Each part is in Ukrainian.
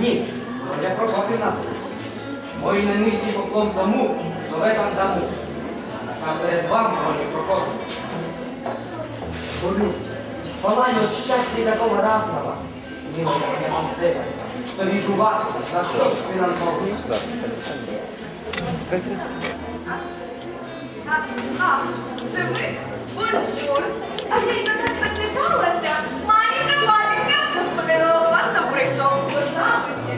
Ні, Роня Прокопівна, мой найнижчий поклон тому, хто в этом дому. Насамперед вам, Роня Прокопівна. Говорю, палаю от счастья и такого разного, милая меня Мамцева, что вижу вас на собственном доме. Це ви? Бонжур. А я й так зачиталася. Маленька, маленька, господин Голохвастов прийшов. Пожалуйте.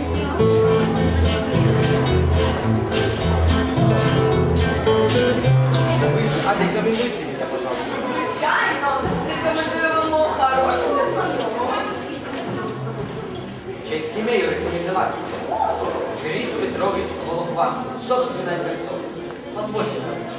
Отрекомендуйте меня, пожалуйста. Звичайно, рекомендуємо хорошого незнайомого. Честь имею рекомендоваться. Свирид Петрович Голохвастов, собственная персона. Позвольте, товарищ.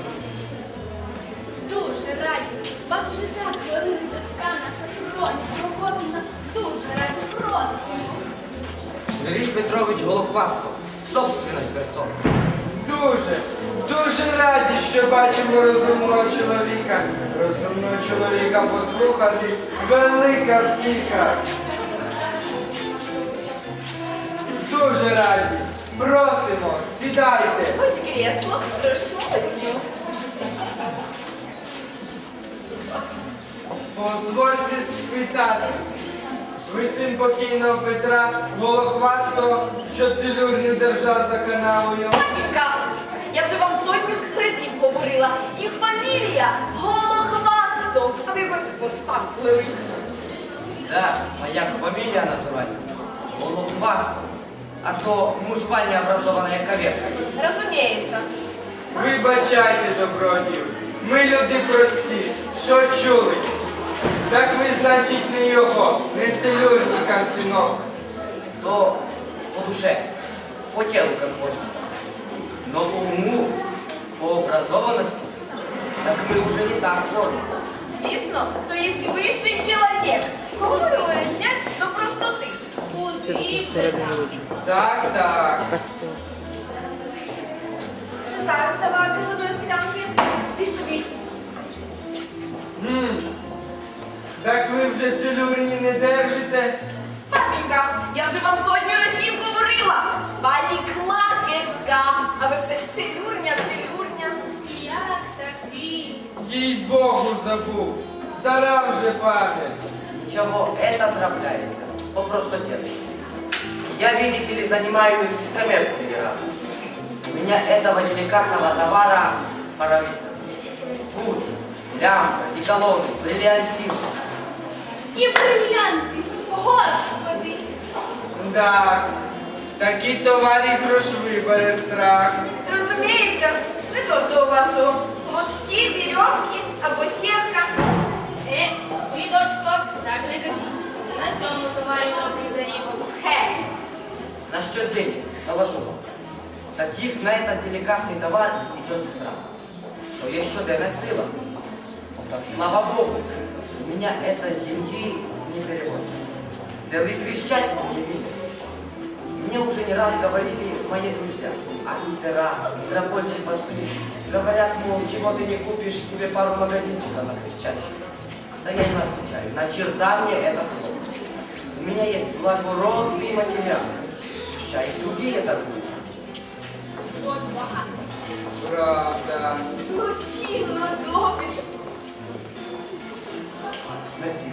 Дуже раді. Вас вже так хвилин дочка наша Роня Прокопівна. Дуже раді. Просимо. Свирид Петрович Голохвастов, собственная персона. Дуже раді, що бачимо розумного чоловіка. Розумного чоловіка послухати велика втіха. Дуже раді. Просимо, сідайте. Ось кресло, прошу сів. Позвольте спитати. Ви син покійного Петра Голохвастого, що цілюрню держав за канавою? Папінька, я вже вам сотню разів говорила. Їх фамілія Голохвастов. А ви якось поставили. Да, моя фамилия натуральная. Голохвастов. А то мужва необразованная коверка. Розуміється. Вибачайте, добродію. Ми люди прості. Що чули? Так ви, значить, не його, не целюрника, синок. То по душе, по телу как хочется. Но по уму, по образованности, так мы уже не так вроде. Звісно, то є вищий чоловік. Кого ви знять до простоти? Куди вже так? Так. Що зараз давати з одної склянки? Ти собі. Так ви вже целюрні не держите? Папінька, я вже вам сотню разів говорила. Парикмахерська. А ви все целюрня. Як такий? Їй-богу, забув. Стара вже пане. Ничего, это трапляется. По простоте. Я, видите ли, занимаюсь коммерцией разом. У меня этого деликатного товара паровица. Пуд, лямка, деколоны, бриллиантин. І брильянти. Господи. Так, такі товарі грошові бере страх. Розуміється, не то, що у вашого лоски, вірьовки або сітка. Ви, дочко, так не кажіть. На цьому товарі добрий зарібок. Хе. Насчет денег, доложу вам. Таких на этот деликатный товар идет страх. Но есть что-то сила. Так слава Богу, у меня это деньги не переводят. Целый крещатель не видит. Мне уже не раз говорили мои друзья, офицера, метропольчи басы. Говорят, мол, чего ты не купишь себе пару магазинчиков на Крещатике. Да я им отвечаю, на черта мне это плохо. У меня есть благородный материал. Ща и другие торгуют. От багато. Правда. Лучинно добрі. Мерси.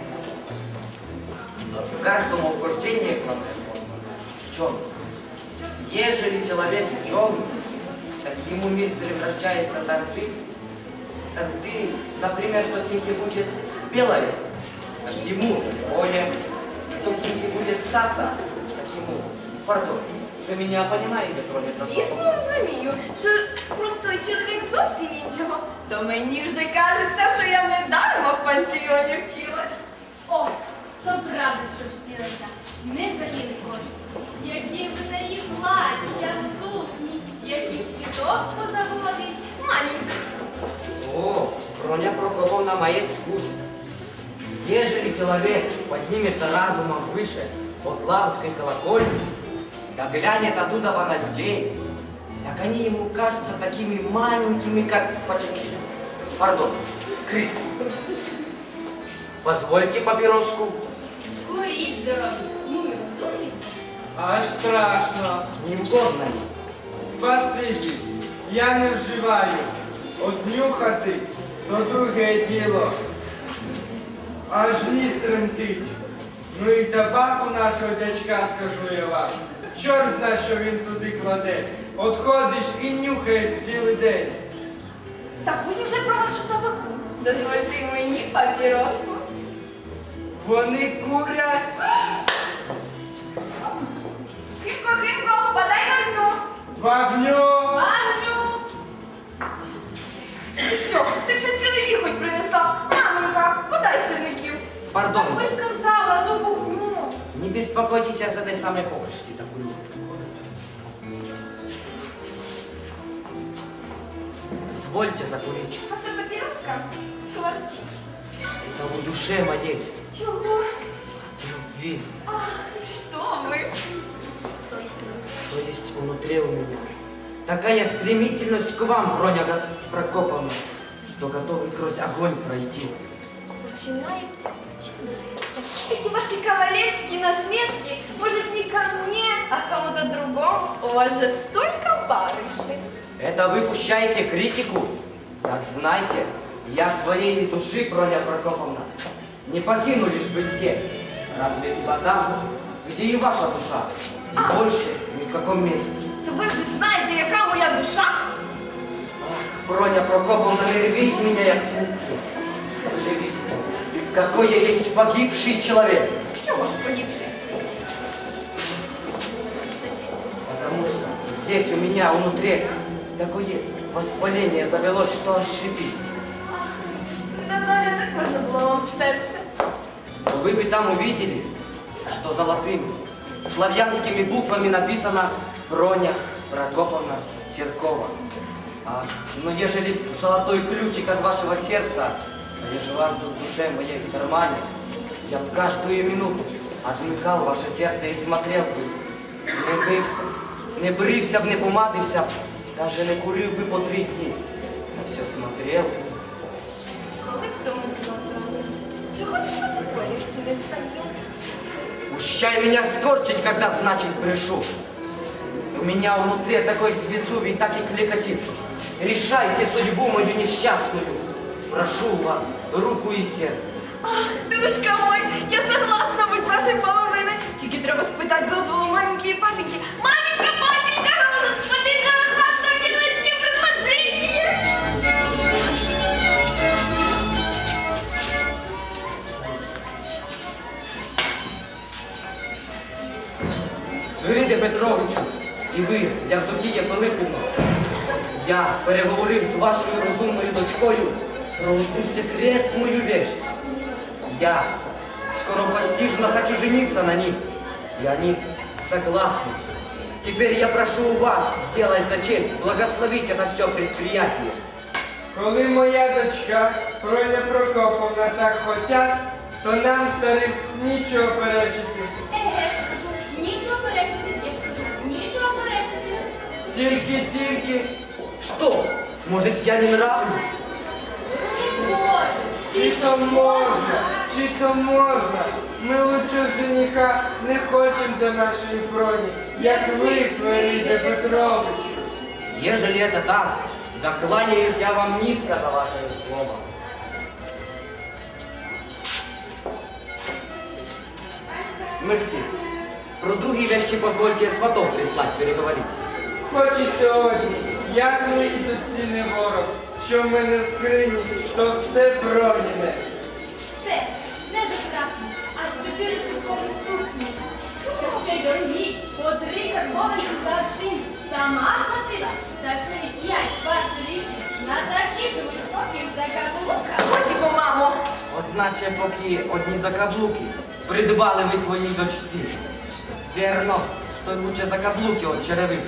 Каждому вхождение к нам в чем? Ежели человек ученый, так ему мир превращается так ты, например, что книги будет белое, так ему поле, что книги будет цаца, так ему пардон. Вы меня понимаете, кроме того? Звісно, розумію, що простой чоловік зовсім іншого. То мені вже кажеться, що я не дарма в пансіоні вчилась. О, то правда, що вчилася. Не жаліли кожен. Які в неї плаття, сукні, яких квіток позаводить. Маменька, О, Роня Прокоповна мает вкус. Ежели человек поднимется разумом выше от Лаврской колокольни, да глянет оттуда на людей, так они ему кажутся такими маленькими, как пацюки. Пардон, крысы. Позвольте папироску. Куріть здорові. Ну і розумніше. Аж страшно. Не угодно ли? Спасибі, я не вживаю. Однюхати то друге діло. Аж ніс тремтить. Ну і табаку нашого дядька, скажу я вам. Чорт зна, що він туди кладе. От ходиш і нюхаєш цілий день. Так мені вже про вашу табаку. Дозвольте й мені папіроску. Вони курять. Химко, Химко, подай вогню. Вогню! Ваню! Ти що, ти вже цілий віхоть принесла? Маменька, подай сирників. Пардон, Ви сказала до вогню. не беспокойтесь, я с этой самой покрышки закурю. Извольте закурить. Ваша папіроска шкварчить. Это в душе моей Чого? любви, Ах, що ви? то есть внутри у меня. Такая стремительность к вам, Броня Прокоповна, что готовый сквозь огонь пройти. Начинается. Эти ваши кавалерские насмешки, может, не ко мне, а к кому-то другому. У вас же столько барышей. Это вы пущаете критику? Так знайте, я своей души, Броня Прокоповна, не покину лишь бытие. Разве либо там, где и ваша душа, и больше ни в каком месте. То ви вже знаєте, яка моя душа? Броня Прокоповна, не рвите меня, як книжку. Вы же видите, какой я есть погибший человек. Чого ж погибши? Потому что здесь у меня внутри такое воспаление завелось, что аж шипит. Назаря, так можна було вам в серце. Но вы бы там увидели, что золотыми, славянскими буквами написано Броня Прокоповна Серкова. Но ежели золотой ключик от вашего сердца, ежели вам тут в душе моей в кармане, я в каждую минуту отмыкал ваше сердце и смотрел бы, не брився б, не помадився б, даже не курив би по 3 дні, а все смотрел. Коли б тому було правда? Чого ти на полішки не стояв? Пущай меня скорчить, когда, значит, брешу. У меня внутри такой Везувий, так и кликотит. Решайте судьбу мою несчастную. Прошу вас, руку и сердце. Ах, душка мой, я согласна бути вашою половиною. Тільки треба спитати дозволу маменьки і папеньки. Маменька, папенька, господин Новохвастов делает мне предложение. Свириде Петровичу, і ви, Явдокія Пилипівно, я переговорив з вашою розумною дочкою про одну секретную вещь. Я скоропостижно хочу жениться на них, и они согласны. Теперь я прошу у вас сделать за честь, благословить это все предприятие. Коли моя дочка, Броня Прокоповна, так хотять, то нам, старим, нічого перечити. Еге, ж кажу, нічого перечити, я ж кажу, нічого перечити. Тільки, Что? Может, я не нравлюсь? Не може, чи то можна, чи то можна. Ми лучше жениха не хочемо до нашої броні, як ви, Свириде Петрович. Ежели это так, да кланяюсь я вам низко за ваше слово. Мерси. Про другие вещи позвольте сватов прислать переговорить. Хоч і сьогодні, я своїй дочці не ворог, що в мене в скрині, то все броніне. все дотрапне, аж 4 шовкові сукні. Та ще й дорогі, по 3 карбованці за аршин. Сама платила, та ще й 5 пар чоловіків на таких високих закаблуках. Ходімо, мамо. Одначе поки одні закаблуки придбали ви своїй дочці. Вірно, що лучше закаблуки от черевик.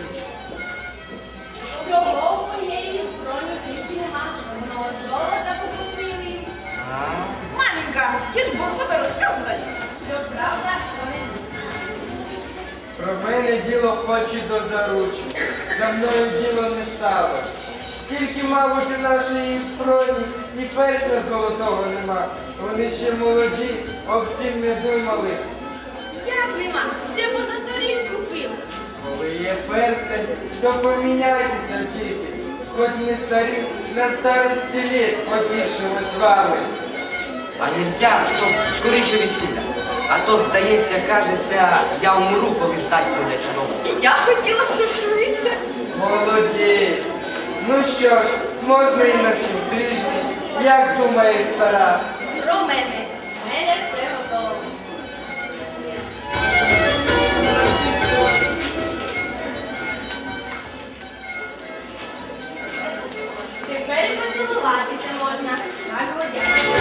Чого у моєї броні тільки нема, воно золота покупили. А? Маменька, ті ж охота розказувати. Що правда, вони Про мене діло хоче до заручі, за мною діло не стало. Тільки, мабуть, у нашої броні і персня золотого нема. Вони ще молоді, об тім не думали. як нема, ще позаторік то поміняйтеся, діти. Хоч ми старі, на старості літ потішимо з вами. А нельзя, щоб скоріше весілля. А то, здається, кажеться, я умру, коли ждать буде чудово. Я хотіла ще швидше. Молодець. Ну що ж, можна і на цьому тижні. Як думаєш, стара? Про мене. У мене все готово. Тепер і поцілуватися можна. Так, годяться.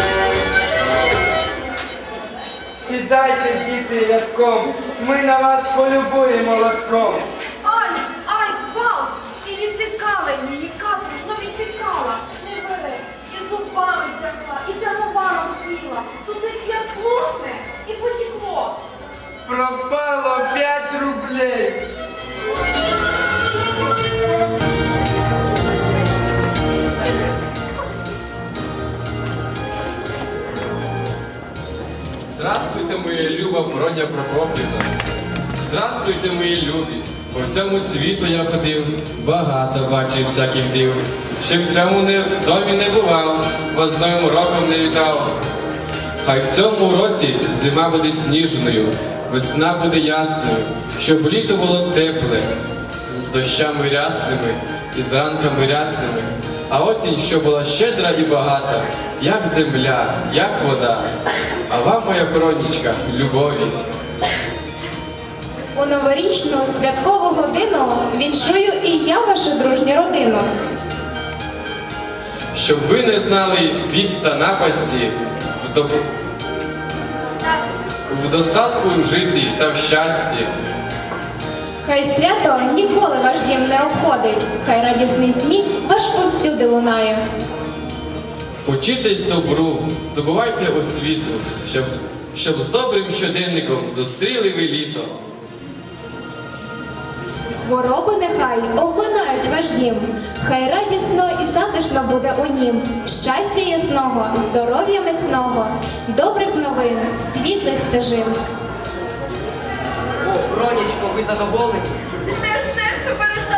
Сідайте, діти, рядком. Ми на вас полюбуємо лотком. Ай, ай, Вал! І відтикала її, каторжно відтикала. Не бере, і зубами тягла, і самоваром пила. Тут як плусне, і потекло. Пропало 5 рублей. Здравствуйте, моя люба Броня Прокопівна. Здравствуйте, мої любі. По всьому світу я ходив, багато бачив всяких див. Ще в цьому домі не бував, вас з Новим роком не вітав. Хай в цьому році зима буде сніжною, весна буде ясною, щоб літо було тепле, з дощами рясними і з ранками рясними, а осінь, що була щедра і багата, як земля, як вода. А вам, моя Бронічка, любові. У новорічну святкову годину віншую і я вашу дружню родину. Щоб ви не знали бід та напасті, в достатку жити та в щасті. Хай свято ніколи ваш дім не обходить, хай радісний сміх аж повсюди лунає. Учитесь добру, здобувайте освіту, щоб з добрим щоденником зустріли ви літо. Хвороби нехай обминають ваш дім, хай радісно і затишно буде у нім. Щастя ясного, здоров'я міцного, добрих новин, світлих стежин. О, Бронечко, ви задоволені? Теж серце перестало